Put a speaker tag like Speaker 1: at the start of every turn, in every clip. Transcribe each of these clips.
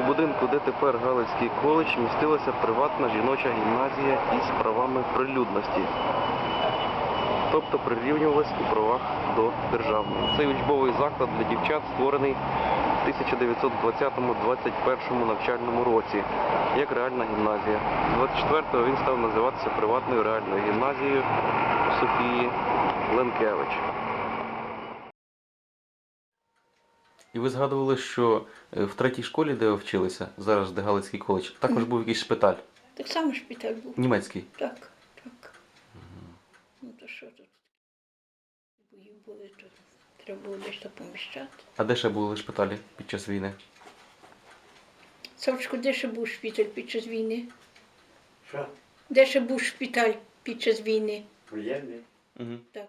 Speaker 1: будинку, де тепер Галицький коледж, містилася приватна жіноча гімназія із правами прилюдності. Тобто прирівнювалась у правах до державної. Цей учбовий заклад для дівчат створений в 1920-21 навчальному році, як реальна гімназія. З 24-го він став називатися приватною реальною гімназією Софії Ленкевич. І ви згадували, що в третій школі, де ви вчилися, зараз де Галицький коледж, також був якийсь шпиталь?
Speaker 2: Так само шпиталь був.
Speaker 1: Німецький?
Speaker 2: Так, так. Ну то що тут? Бої були, то треба було десь то поміщати.
Speaker 1: А де ще були шпиталі під час війни?
Speaker 2: Савчко, де ще був шпиталь під час війни?
Speaker 3: Що?
Speaker 2: Де ще був шпиталь під час війни?
Speaker 3: Воєнний?
Speaker 1: Угу.
Speaker 2: Так.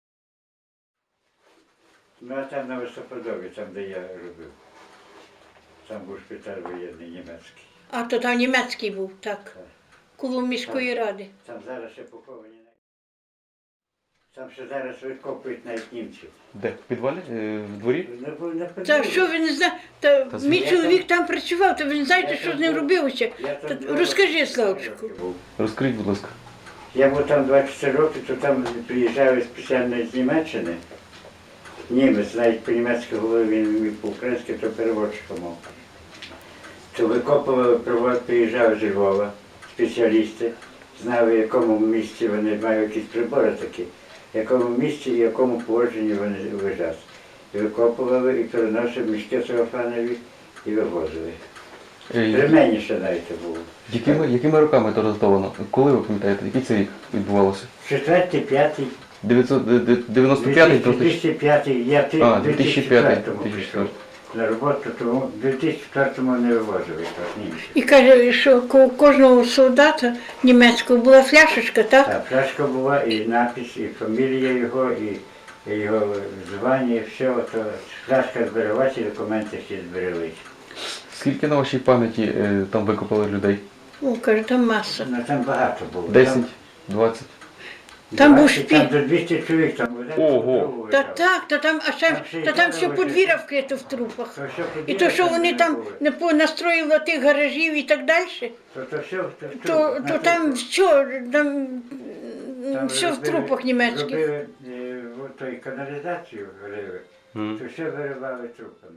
Speaker 3: Ну, а там на Високодові, там, де я робив. Там був шпиталь воєнний, німецький.
Speaker 2: А то там німецький був, так.
Speaker 3: Так.
Speaker 2: Коло міської ради.
Speaker 3: Там зараз ще поховані. Там ще зараз викопують навіть німців.
Speaker 1: Де? В підвалі? В дворі?
Speaker 2: Та що ви не знаєте? Та
Speaker 1: Та
Speaker 2: мій
Speaker 3: я
Speaker 2: чоловік там працював, то ви не знаєте, що з ним робилося. Розкажи, Славчику.
Speaker 1: Розкажіть, будь ласка.
Speaker 3: Я був там 24 роки, то там приїжджали спеціально з Німеччини. Німець, навіть по-німецьки говорив, він міг по-українськи, то переводчиком мав. То викопували, приїжджали з Львова спеціалісти, знали, в якому місці вони мають якісь прибори такі, в якому місці і в якому положенні вони лежать. І викопували, і переносили мішки целофанові і вивозили. При мені ще навіть було.
Speaker 1: Якими роками це роздавано? Коли ви пам'ятаєте, який це рік відбувалося?
Speaker 3: 4-й, 5-й.
Speaker 1: 95-й?
Speaker 3: 2005-й, я в 2004-му
Speaker 1: 2004.
Speaker 3: пішов на роботу, тому в 2004-му не вивозили німці.
Speaker 2: І каже, що у кожного солдата німецького була фляшечка, так?
Speaker 3: Так, фляжка була, і напис, і фамілія його, і його звання, і все. То фляжка збереглася, і документи всі збереглися.
Speaker 1: Скільки на вашій пам'яті там викопали людей?
Speaker 2: О, каже, там маса.
Speaker 3: Ну, там багато було.
Speaker 1: 10? 20?
Speaker 2: Там був
Speaker 3: 20,
Speaker 2: шпіль.
Speaker 3: Там до 200 чоловік, там
Speaker 1: Ого.
Speaker 2: Та так, та там, та там все подвір'я вкрито в трупах. І то, що вони там не понастроїли тих гаражів і так далі, то там все, там все в трупах німецьких.
Speaker 3: Робили той каналізацію, рили, то все виривали трупами.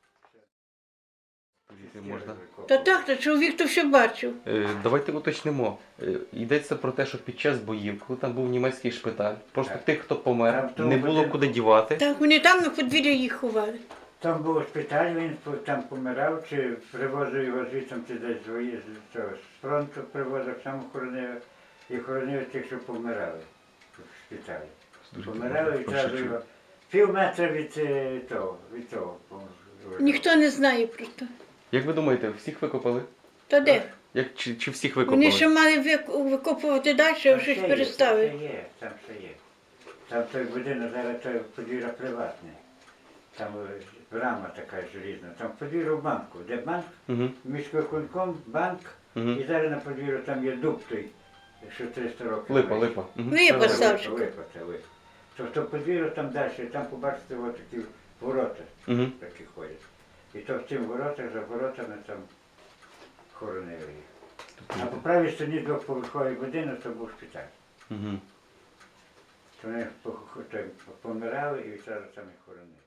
Speaker 1: Можна?
Speaker 2: Та так, та чоловік то все бачив.
Speaker 1: Давайте уточнимо. Йдеться про те, що під час боїв, коли там був німецький шпиталь, просто тих, хто помер, не було куди дівати.
Speaker 2: Так, вони там на подвір'я їх ховали.
Speaker 3: Там був шпиталь, він там помирав, чи привозив його звідси, чи десь з фронту привозив, сам хоронив, і хоронив тих, що помирали в шпиталі. Помирали і одразу його пів метра від того.
Speaker 2: Ніхто не знає про це.
Speaker 1: Як ви думаєте, всіх викопали?
Speaker 2: Та де?
Speaker 1: Чи всіх викопали?
Speaker 2: Вони ще мали викопувати далі, а щось переставили.
Speaker 3: Там ще є. Там той будинок, зараз той подвір'я приватне. Там брама така желізна. Там подвір'я в банку. Де банк? Міськвиконком, банк. І зараз на подвір'ю там є дуб той, що 300 років.
Speaker 1: Липа.
Speaker 2: Липа, Савчику.
Speaker 3: Липа. Тобто подвір'я там далі, там побачите ось такі ворота, такі ходять. І то в цим воротах, за воротами там хоронили їх. А по правій стороні двохповерховий будинок, то був шпиталь. То вони помирали і одразу там їх хоронили.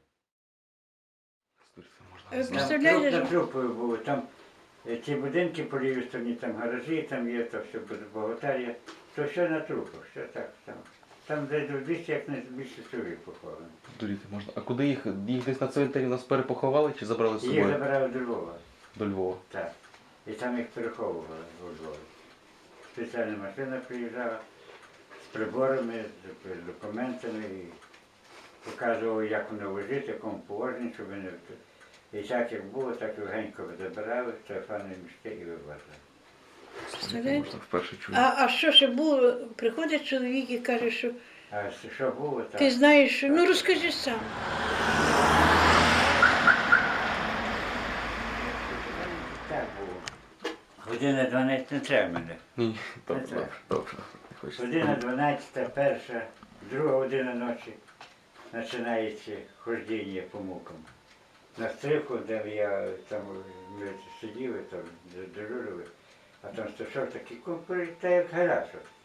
Speaker 2: Представляєте,
Speaker 3: Там трупою було, там ці будинки по лівій стороні, там гаражі, там є, то все богатар'я, то все на трупах, все так, там десь до 200, як не більше чоловік поховано.
Speaker 1: Дуріти можна. А куди їх? Їх десь на цвинтарі нас перепоховали чи забрали з собою?
Speaker 3: Їх забирали до Львова.
Speaker 1: До Львова.
Speaker 3: Так. І там їх переховували у Львові. Спеціальна машина приїжджала з приборами, з документами і показувала, як воно лежить, в якому положенні, щоб вони... І так як було, так і легенько забирали, телефонні мішки і вивезли.
Speaker 2: А що ще було? Приходить чоловік і каже, що
Speaker 3: А що було, так?
Speaker 2: ти знаєш, що... Ну розкажи сам.
Speaker 3: Так було. Година 12 не треба мене.
Speaker 1: Ні, добре.
Speaker 3: Година 12, перша, друга година ночі починається хождіння по мукам. на стриху, де я там ми сиділи, там дежурили, а там сташов такий купер, та як гараж.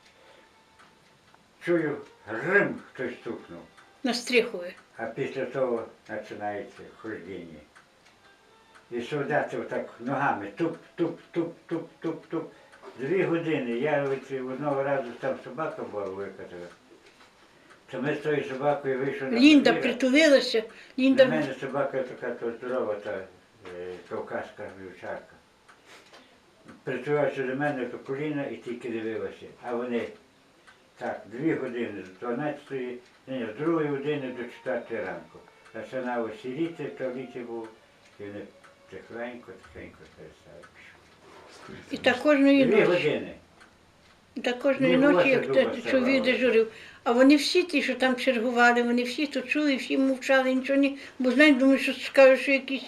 Speaker 3: Чую, грим хтось стукнув,
Speaker 2: На Стрихові.
Speaker 3: а після того починається хождіння. І солдати отак ногами туп-туп-туп-туп-туп-туп. 2 години. Я одного разу там собака була викатила. То ми з тою собакою вийшли на
Speaker 2: Лінда
Speaker 3: подвір'я.
Speaker 2: притулилася.
Speaker 3: У
Speaker 2: Лінда...
Speaker 3: мене собака така то здорова, та кавказька вівчарка. Притулилася до мене до коліна і тільки дивилася. А вони так, 2 години, з 12-ї, ні, з 2 години до 4 ранку. Починав сіріти, в туалеті був, і вони тихенько перестали.
Speaker 2: І так кожної
Speaker 3: 2
Speaker 2: ночі.
Speaker 3: години.
Speaker 2: І так кожної
Speaker 3: Ні,
Speaker 2: ночі, як
Speaker 3: волосся
Speaker 2: той
Speaker 3: дуба
Speaker 2: чоловік
Speaker 3: ставало.
Speaker 2: дежурив. А вони всі ті, що там чергували, вони всі то чули, всі мовчали, нічого не... Бо знають, думаю, що скажуть, що якісь...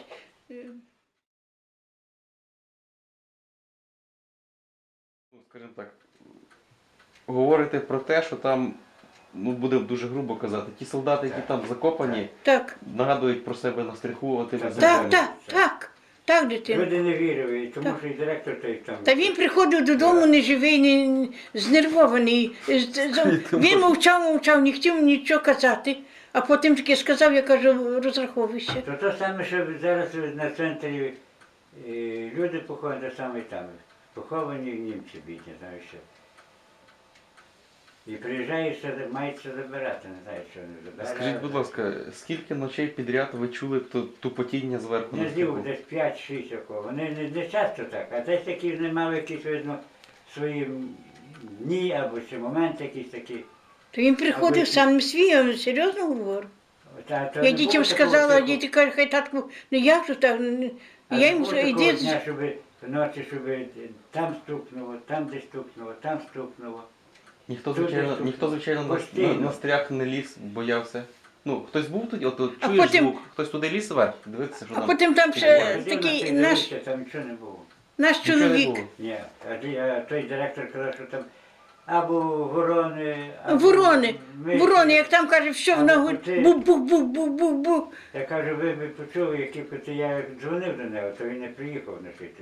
Speaker 1: Скажімо так, говорите про те, що там, ну будемо дуже грубо казати, ті солдати, які там закопані,
Speaker 2: Так,
Speaker 1: нагадують про себе на стриху тими
Speaker 3: Так,
Speaker 1: зеркалами.
Speaker 2: так, дитина.
Speaker 3: Люди не вірили, і тому
Speaker 2: Так.
Speaker 3: що і директор той там.
Speaker 2: Та він приходив додому неживий, знервований. Він мовчав, не хотів нічого казати. А потім таки сказав, я кажу, розраховуйся.
Speaker 3: То те саме, що зараз на центрі люди поховані, те саме і там. Поховані німці бідні, знаю що. І приїжджаєш, мається забирати, не знаю, що вони забирають.
Speaker 1: Скажіть, будь ласка, скільки ночей підряд ви чули тупотіння зверху
Speaker 3: Не
Speaker 1: на
Speaker 3: здів,
Speaker 1: стриху?
Speaker 3: десь 5-6 такого. Вони не часто так, а десь такі не мали якісь, видно, свої дні або ще моменти якісь такі.
Speaker 2: То він приходив сам свій, я вам серйозно говорю.
Speaker 3: То
Speaker 2: Я
Speaker 3: не
Speaker 2: дітям
Speaker 3: було такого
Speaker 2: сказала, а
Speaker 3: типу,
Speaker 2: діти кажуть, хай татку, ну як же так?
Speaker 3: а
Speaker 2: Я
Speaker 3: не
Speaker 2: їм
Speaker 3: було такого
Speaker 2: іди.
Speaker 3: дня, щоб ночі, щоб там стукнуло, там десь стукнуло, там стукнуло.
Speaker 1: Ніхто,
Speaker 3: Тут
Speaker 1: звичайно,
Speaker 3: десь тут
Speaker 1: ніхто, звичайно,
Speaker 3: постійно.
Speaker 1: на стрях не ліз, боявся. Ну, хтось був тоді, от
Speaker 2: А
Speaker 1: чуєш
Speaker 2: потім-
Speaker 1: звук, хтось туди ліз вверх, дивитися, що
Speaker 2: А
Speaker 1: там.
Speaker 2: потім там ще
Speaker 1: відбувається.
Speaker 2: такий
Speaker 3: Ходив на
Speaker 2: наш,
Speaker 3: цей дивився, там нічого не було.
Speaker 2: наш
Speaker 1: Нічого не
Speaker 2: чоловік.
Speaker 1: було.
Speaker 3: Ні, а той директор казав, що там або ворони, або
Speaker 2: Ворони,
Speaker 3: миші.
Speaker 2: ворони, як там каже, все в
Speaker 3: Або
Speaker 2: ногу,
Speaker 3: коти.
Speaker 2: бух-бух-бух-бух-бух-бух.
Speaker 3: Я кажу, ви б почули, які коти, я як дзвонив до нього, то він не приїхав на тоді.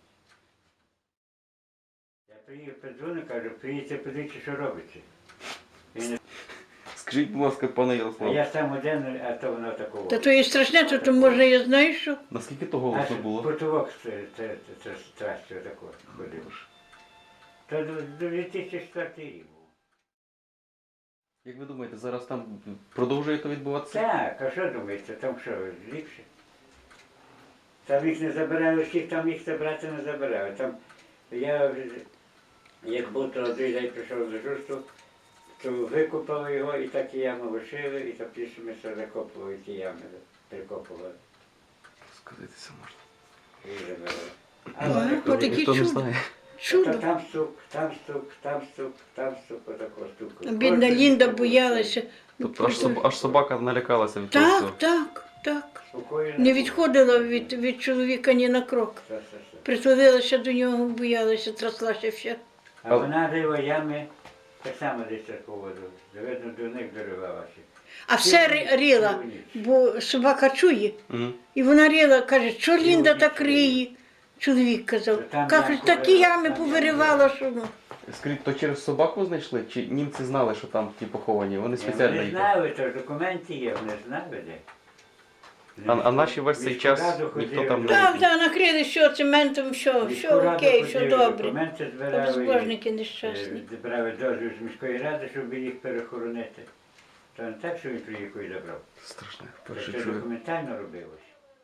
Speaker 3: Я приїхав, подзвонив, кажу, приїдьте, подивіться, що робиться. Він не-
Speaker 1: Скажіть, будь ласка, пане
Speaker 3: А
Speaker 1: Ярослав,
Speaker 3: я сам один, а то воно такого.
Speaker 2: Та то є страшне, то можна, я знаю, що.
Speaker 1: наскільки то
Speaker 3: Аж
Speaker 1: голосно було?
Speaker 3: потолок це страстю такого ходив. То до 2004 рік був.
Speaker 1: Як ви думаєте, зараз там продовжує то відбуватися?
Speaker 3: Так, а що думаєте, там що, ліпше? Там їх не забирали всіх, там їх забрати не забирали. Там я, як був, то один день прийшов до журсту, то викопали його і так і яму лишили, і то після ми все закопували, ті ями прикопували
Speaker 1: Сказатися можна.
Speaker 3: і забирали.
Speaker 2: Ага,
Speaker 3: вони
Speaker 2: отакі
Speaker 1: Ніхто не
Speaker 2: чудо.
Speaker 1: знає.
Speaker 2: Чудо.
Speaker 3: там стук, там стук, там стук, там стук, отакого стуку.
Speaker 2: Бідна Лінда боялася.
Speaker 1: Тобто аж собака налякалася від того всього.
Speaker 2: Так.
Speaker 3: Спокійно.
Speaker 2: Не відходила від чоловіка ні на крок.
Speaker 3: Все.
Speaker 2: Притулилася до нього, боялася, траслася вся.
Speaker 3: А вона рила ями, так само десь таку воду. Видно, до них доривалася.
Speaker 2: А все рила, бо собака чує.
Speaker 1: Мгм.
Speaker 2: І вона рила, каже, що Лінда так риє? Чоловік казав.
Speaker 3: Там
Speaker 2: Каже,
Speaker 3: ямку
Speaker 2: такі
Speaker 3: вирила,
Speaker 2: ями
Speaker 3: там
Speaker 2: повиривала, що ну.
Speaker 1: Скажіть, то через собаку знайшли? Чи німці знали, що там ті поховані? Вони спеціально
Speaker 3: Вони
Speaker 1: їх.
Speaker 3: знали, то ж документи є, вони знали де.
Speaker 1: А наші весь цей час ніхто там не-
Speaker 2: Так, накрили все цементом, все окей, все добре.
Speaker 3: Документи збирали.
Speaker 2: Безбожники
Speaker 3: і,
Speaker 2: нещасні.
Speaker 3: брали дозвіл з міської ради, щоб їх перехоронити. То не так, що він приїхав і забрав.
Speaker 1: Страшне,
Speaker 3: Це
Speaker 1: перше
Speaker 3: все
Speaker 1: чую.
Speaker 3: документально робилось.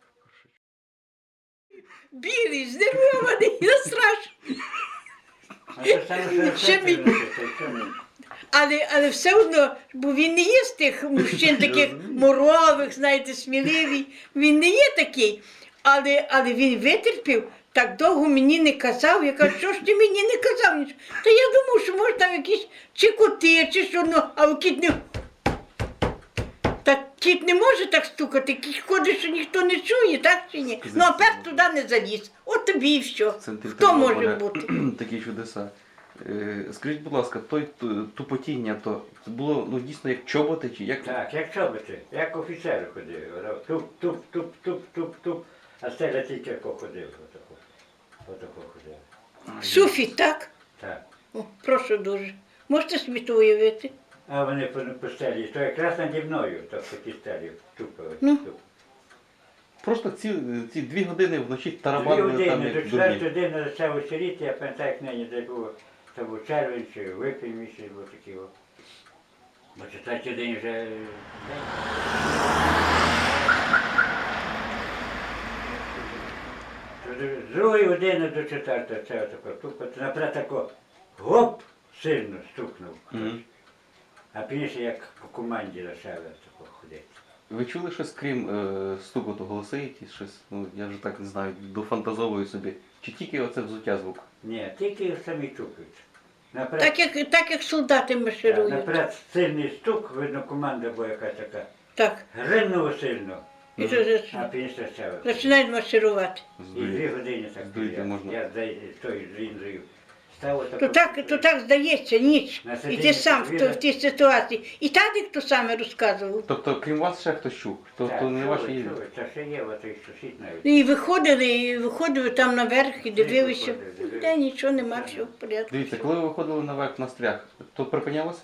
Speaker 2: Білий, знервований, страшно.
Speaker 3: А то саме, що
Speaker 2: Ще мій- Але все одно, бо він не є з тих мужчин таких морових, знаєте, сміливий. Він не є такий. Але він витерпів, так довго мені не казав. Я кажу, що ж ти мені не казав нічого? Та я думав, що може там якісь чи коти, чи що, ну, а кіт не. Так кіт не може так стукати, кіт ходить, що ніхто не чує, так чи ні? Ну а пес туди не заліз. От тобі і все.
Speaker 1: В центрі
Speaker 2: Хто може
Speaker 1: Тернополя
Speaker 2: бути?
Speaker 1: такі чудеса. Скажіть, будь ласка, тупотіння, то це було ну, дійсно як чоботи, чи як?
Speaker 3: Так, як чоботи, як офіцер ходив. Туп-туп-туп-туп-туп-туп. А стеля тільки як ходив. Отако ходив.
Speaker 2: Суфіт, так?
Speaker 3: Так.
Speaker 2: О, прошу дуже. Можете собі то уявити?
Speaker 3: А вони по стелі, то якраз наді мною, то по тій стелі тупили.
Speaker 2: Ну.
Speaker 1: Просто ці 2 години вночі
Speaker 3: 2
Speaker 1: тарабанили там
Speaker 3: години, до
Speaker 1: як
Speaker 3: 4
Speaker 1: дурні.
Speaker 3: години почав вечеріти, я пам'ятаю, як нині де було, то був червень чи випій місяць, був такий. Бо 4 годині вже день. З 2 години до 4 це отако тупо, наприклад, тако гоп сильно стукнув.
Speaker 1: Мгм.
Speaker 3: А пізніше як по команді почали тако ходити.
Speaker 1: Ви чули щось крім стукоту голоси якісь щось? Ну я вже так не знаю, дофантазовую собі. Чи тільки оце взуття звук?
Speaker 3: Ні, тільки самі тупить.
Speaker 2: Так як солдати марширують.
Speaker 3: Наперед сильний стук, видно, команда була якась така.
Speaker 2: Так.
Speaker 3: Гринуло сильно,
Speaker 2: І то
Speaker 3: а пізніше ще.
Speaker 2: починають марширувати.
Speaker 3: І 2 години так.
Speaker 1: Здуріти можна.
Speaker 3: Я з тою лінзою став
Speaker 2: То так здається, ніч.
Speaker 3: На
Speaker 2: І
Speaker 3: сидінні
Speaker 2: ти сам
Speaker 3: подвір'я.
Speaker 2: в тій ситуації. І Тадик то саме розказував.
Speaker 1: Тобто, крім вас ще хтось чув? То не ваші.
Speaker 3: Це ще є, отой сусід навіть.
Speaker 2: І виходили там наверх і дивилися.
Speaker 3: Виходили.
Speaker 2: Де нічого нема, все в порядку.
Speaker 1: Дивіться, коли ви виходили наверх на стрях, то припинялося?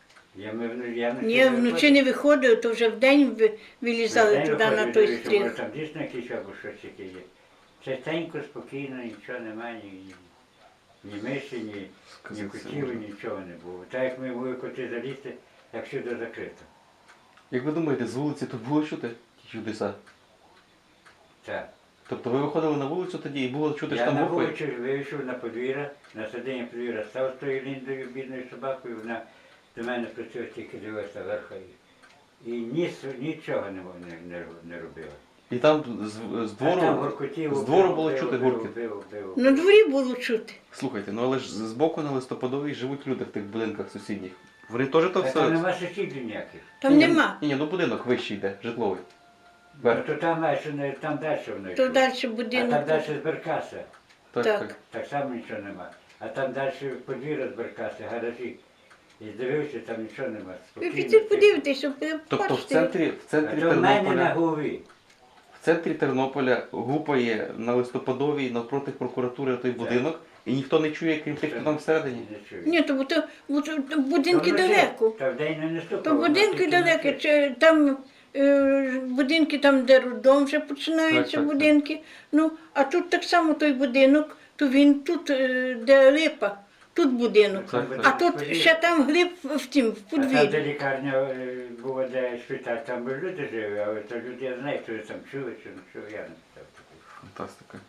Speaker 3: Я
Speaker 2: Ні, вночі не виходили, то вже вдень вилізали туди на той стріх.
Speaker 3: Там дійсно якийсь або щось таке є. Частенько, спокійно, нічого немає, ні миші, ні
Speaker 1: Сказати це
Speaker 3: котів,
Speaker 1: можна.
Speaker 3: нічого не було. Так як ми були коти залізти, як всюди закрито.
Speaker 1: Як ви думаєте, з вулиці то було чути ті чудеса?
Speaker 3: Так.
Speaker 1: Тобто ви виходили на вулицю тоді і було чути, що
Speaker 3: Я
Speaker 1: там
Speaker 3: на
Speaker 1: гупає?
Speaker 3: вулицю вийшов на подвір'я, на сидіння подвір'я став з тою ліндою, бідною собакою, вона до мене працює, тільки дивилася верха і нічого не робила.
Speaker 1: І там з
Speaker 3: А там
Speaker 1: двору,
Speaker 3: гуркотів,
Speaker 1: з двору
Speaker 3: бив,
Speaker 1: було
Speaker 3: бив,
Speaker 1: чути
Speaker 3: бив,
Speaker 1: гуркіт.
Speaker 3: бив, бив.
Speaker 2: На дворі було чути.
Speaker 1: Слухайте, ну але ж збоку на Листопадовій живуть люди в тих будинках сусідніх. Вони теж то
Speaker 3: А
Speaker 1: все.
Speaker 3: там нема сусідів ніяких.
Speaker 2: Там нема.
Speaker 1: Ні, ну будинок вищий йде, житловий.
Speaker 3: Ну,
Speaker 1: Верх.
Speaker 3: то там далі воно
Speaker 2: То
Speaker 3: йшло.
Speaker 2: далі
Speaker 3: А
Speaker 2: будинок.
Speaker 3: там далі з Беркаса.
Speaker 1: Так,
Speaker 2: так.
Speaker 1: так.
Speaker 3: Так само нічого нема. А там далі подвір'я з Беркаса, гаражі. І дивився, там нічого нема.
Speaker 2: Ви
Speaker 3: Спокійно.
Speaker 2: підіть подивитися,
Speaker 1: Тобто в
Speaker 2: побачите.
Speaker 1: центрі
Speaker 3: А то в мене на
Speaker 1: Тернополя,
Speaker 3: голові.
Speaker 1: в центрі Тернополя гупає на Листопадовій навпроти прокуратури той будинок, і ніхто не чує, крім тих, хто там всередині.
Speaker 3: Не чую.
Speaker 2: Ні, то будинки
Speaker 3: Та вночі,
Speaker 2: далеко.
Speaker 3: Та вдень не стукало.
Speaker 2: То будинки далеко. Там будинки там, де роддом вже починаються
Speaker 1: Так.
Speaker 2: будинки. Ну, а тут так само той будинок, то він тут, де липа, тут будинок.
Speaker 1: Так,
Speaker 2: А
Speaker 1: так.
Speaker 2: тут ще там глиб в тім, в
Speaker 3: А там, де
Speaker 2: подвір'ї.
Speaker 3: лікарня була, де шпиталь, там би люди жили, але то люди, я знаю, хто там чули, чи не чули, я не питав.
Speaker 1: Фантастика.